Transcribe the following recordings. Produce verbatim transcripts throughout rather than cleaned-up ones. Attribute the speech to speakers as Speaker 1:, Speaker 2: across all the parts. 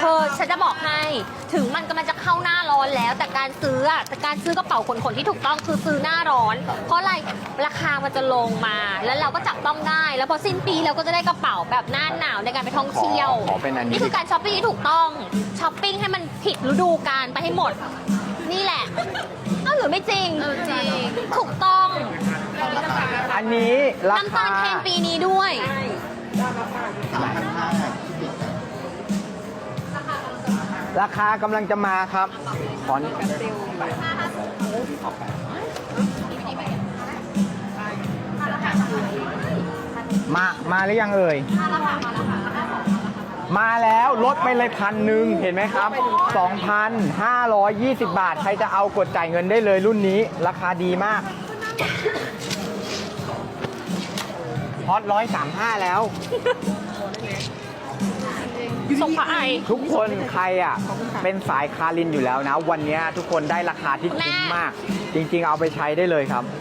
Speaker 1: อฉันจะบอกให้ถึงมันกำลังจะเข้าหน้าร้อนแล้วแต่การซื้ออะแต่การซื้อกระเป๋าขนๆที่ถูกต้องคือซื้อหน้าร้อน เพราะอะไรราคามันจะลงมาแล้วเราก็จับต้องได้แล้วพอสิ้นปีเราก็จะได้กระเป๋าแบบหน้าหนาวในการไปท่องเที่ยว
Speaker 2: ขอเป็นอันนี้
Speaker 1: นี่คือการช้อปปิ้งที่ถูกต้องช้อปปิ้งให้มันผิดฤดูกาลไปให้หมด นี่แหละเอ้าหรือไม่จริงจริงถูกต้อง
Speaker 2: อันนี้รา
Speaker 1: น้ำ
Speaker 2: คา
Speaker 1: ตาลเทรนปีนี้ด้วย
Speaker 2: ราคากำลังจะมาครับขอนมามาหรือยังเอ่ยมาแล้วลดไปเลยพันหนึ่งเห็นไหมครับ สองพันห้าร้อยยี่สิบ บาท ใครจะเอากดจ่ายเงินได้เลยรุ่นนี้ ราคาดีมากฮอตร้อยสามห้าแล้ว
Speaker 1: ส่งพระไอ
Speaker 2: ทุกคนใครอ่ะเป็นสายคารินอยู่แล้วนะ วันนี้ทุกคนได้ราคาที่คุ้มมาก จริงๆเอาไปใช้ได้เลยครับ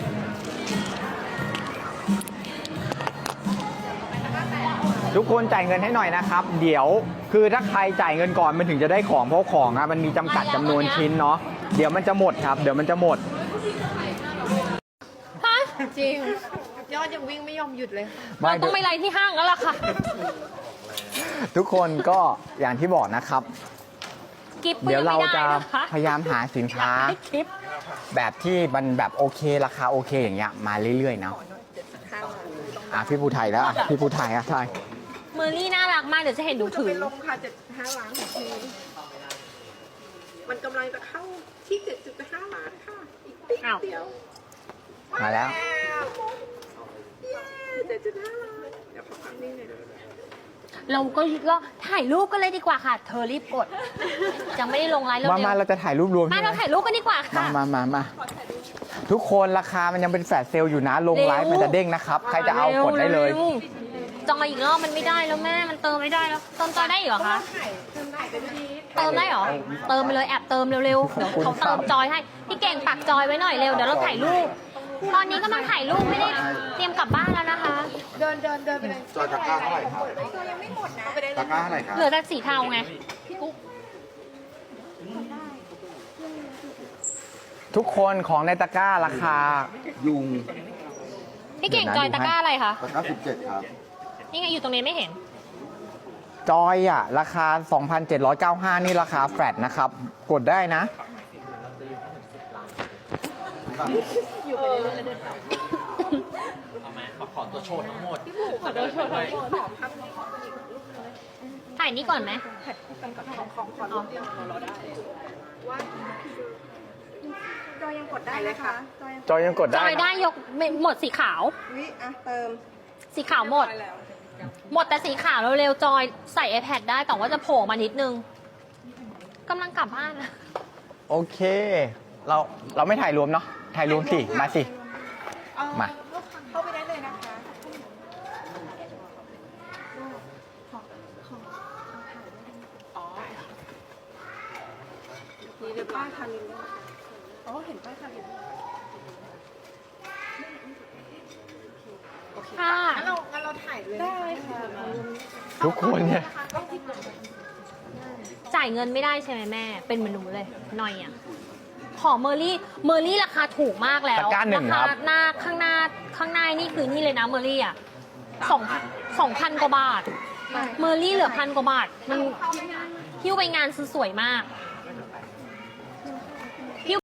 Speaker 2: ทุกคนจ่ายเงินให้หน่อยนะครับ เดี๋ยวคือถ้าใครจ่ายเงินก่อนมันถึงจะได้ของเพราะของอะมันมีจำกัดจำนวนชิ้นเนาะเดี๋ยวมันจะหมดครับ เดี๋ยวมันจะหมด
Speaker 1: ฮะ
Speaker 3: จริง ยอดยังวิ่งไม่ยอมหยุดเลย
Speaker 1: เราต้องไปไลน์ที่ห้างแล้วล่ะค่ะ
Speaker 2: ทุกคนก็อย่างที่บอกนะครับ
Speaker 1: กิฟต์ก็
Speaker 2: เดี๋ย
Speaker 1: ยั
Speaker 2: ว
Speaker 1: ง
Speaker 2: เรา
Speaker 1: ไม่ได้
Speaker 2: จะ
Speaker 1: นะคะ
Speaker 2: พยายามหาสินค้า
Speaker 1: ให้คลิป
Speaker 2: แบบที่มันแบบโอเคราคาโอเคอย่างเงี้ยมาเรื่อยๆเนาะอ่ะพี่ภูไทยแล้วอ่ะพี่ภูไทยอ่ะใช่
Speaker 1: เมอร์รี่น่ารักมากเดี๋ยวจะเห็นดูถือ
Speaker 3: เป็นลมค่ะเจ็ดห้าล้านของทีมันกำลังจะเข้าที่เจ็ดจุดห้าล้านค่ะ อีกติ๊ก
Speaker 1: อ้าว
Speaker 3: เดียว
Speaker 2: มาแล้ว
Speaker 3: เย้เจ็ดจุดห้าล้าน เดี๋ยวขอฟังนี่หน่อยนะ
Speaker 1: เราก็เราถ่ายรูปกันเลยดีกว่าค่ะ เธอรีบกด ยังไม่ได้ลงไลน์เร็ว
Speaker 2: มามาเราจะถ่ายรูปรวม
Speaker 1: ๆมา
Speaker 2: ใช่ไหม
Speaker 1: เราถ่ายรูปกันดีกว่า
Speaker 2: มา
Speaker 1: ค่ะ
Speaker 2: มามามาทุกคนราคามันยังเป็นแฟลชเซลล์อยู่นะ ลงไลฟ์
Speaker 1: เร็ว
Speaker 2: มันจะเด้งนะครับ ใครจะเอากดได้เลย
Speaker 1: ร็วๆจองอีกรอบมันไม่ได้แล้วแม่มันเติมไม่ได้แล้วเติมจอยได้อีกเหรอคะ
Speaker 3: เติมได้เป็นที
Speaker 1: เติมได้เหรอเติมไปเลยแอบเติมเร็วๆเดี๋ยวเขาเติมจอยให้พี่เก่งปักจอยไว้หน่อยเร็วเดี๋ยวเราถ่ายรูปตอนนี้ก็มาถ่ายรูปไม่ได้เตรียมกลับบ้านแล้วนะคะ
Speaker 3: เดินเดินเดินไปเลย
Speaker 4: จอยตะกร้าเท่าไหร่ครับ
Speaker 3: ตัวยังไม่หมดนะไปได้
Speaker 4: ตะกร้าเท่าไหร่ครับ
Speaker 1: เหลือแต่สีเทาไง
Speaker 2: ทุกคนของในตะกร้าราคา
Speaker 4: ยุง
Speaker 1: พี่เก่งจอยตะกร้าอะไรคะ
Speaker 4: ตะกร้าสิบเจ็ดครับ
Speaker 1: นี่ไงอยู่ตรงนี้ไม่เห็น
Speaker 2: จอยอ่ะ ราคา สองพันเจ็ดร้อยเก้าสิบห้า นี่ราคาแฟลตนะครับ กดได้นะ
Speaker 1: ถ่ายนี้ก่อนไหม
Speaker 3: ของขอรูปเดียวเราได้ว่าจอยยังกดได้เลยค่ะจอยยัง
Speaker 2: จอยยังกด
Speaker 1: จ
Speaker 2: ได้
Speaker 1: อยได้ยกไม่หมดสีขาว
Speaker 3: วิอ่ะเติม
Speaker 1: สีขาวหมด หมดแต่สีขาวเร็วๆจอยใส่ iPad ได้แต่ว่าจะโผล่มานิดนึงกำลังกลับบ้านนะ
Speaker 2: โอเค เราเราไม่ถ่ายรวมเนาะ ถ่ายรวมสิ มาสิ
Speaker 3: เอ่อ
Speaker 2: มา
Speaker 3: เข้าไปได้เลยนะคะอ๋อมีเดี๋ยวป้ายคารินด้วยอ๋อเห็นป้ายคาริน
Speaker 1: ค่ะ
Speaker 3: งั้นเรางั้นเราถ่ายเลยได้ค่ะ
Speaker 2: ทุกคนเนี่ย
Speaker 1: จ่ายเงินไม่ได้ใช่ไหมแม่ เป็นเหมือนหนูเลยหน่อยอ่ะ ขอเมอร์รี่ เมอร์รี่ราคาถูกมากแล้ว
Speaker 2: ตะกร้าหนึ่ง
Speaker 1: รา
Speaker 2: ครั
Speaker 1: คา
Speaker 2: บ
Speaker 1: หน้าข้างหน้าข้างหน้านี่คือนี่เลยนะเมอร์รี่อ่ะสองสองพันกว่าบาท เมอร์รี่เหลือพันกว่าบาท มันหิ้วไปงานซื้อสวยมาก
Speaker 3: ใ